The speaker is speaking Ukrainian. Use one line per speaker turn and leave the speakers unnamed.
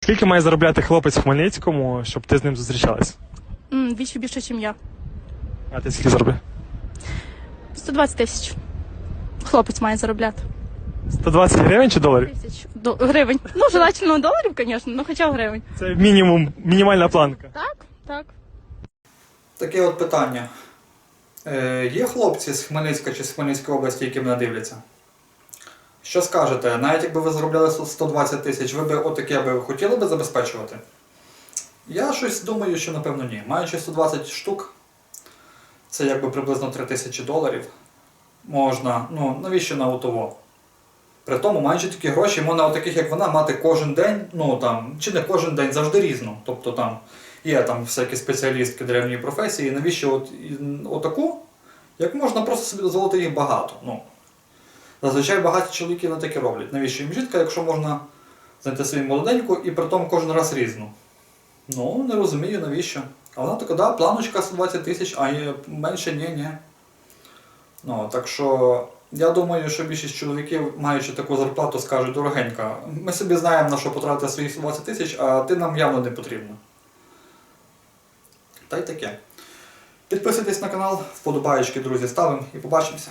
Скільки має заробляти хлопець в Хмельницькому, щоб ти з ним зустрічалась?
Вдвічі більше, ніж я.
А ти скільки заробляєш?
120 тисяч. Хлопець має заробляти.
120 гривень чи доларів?
Тисяч гривень. Ну, желательно доларів, звісно, але хоча б гривень.
Це мінімум, мінімальна планка.
Так, так.
Таке от питання. Є хлопці з Хмельницька чи з Хмельницької області, які мене дивляться? Що скажете? Навіть якби ви заробляли 120 тисяч, ви б отаке би хотіли би забезпечувати? Я щось думаю, що напевно ні. Маючи 120 штук, це якби приблизно 3000 доларів, можна, ну навіщо на ОТО? При тому, маючи такі гроші, можна отаких, як вона, мати кожен день, ну там, чи не кожен день, завжди різно. Тобто там є там всякі спеціалістки древньої професії, навіщо отаку, як можна просто собі дозволити їх багато. Ну, зазвичай багаті чоловіки не таке роблять. Навіщо їм жінка, якщо можна знайти собі молоденьку і при тому кожен раз різну? Ну, не розумію, навіщо. А вона така, да, планочка 120 тисяч, а менше ні. Ну, так що, я думаю, що більшість чоловіків, маючи таку зарплату, скажуть: дорогенька, ми собі знаємо, на що потратити свої 120 тисяч, а ти нам явно не потрібна. Та й таке. Підписуйтесь на канал, вподобаєчки, друзі, ставимо і побачимося.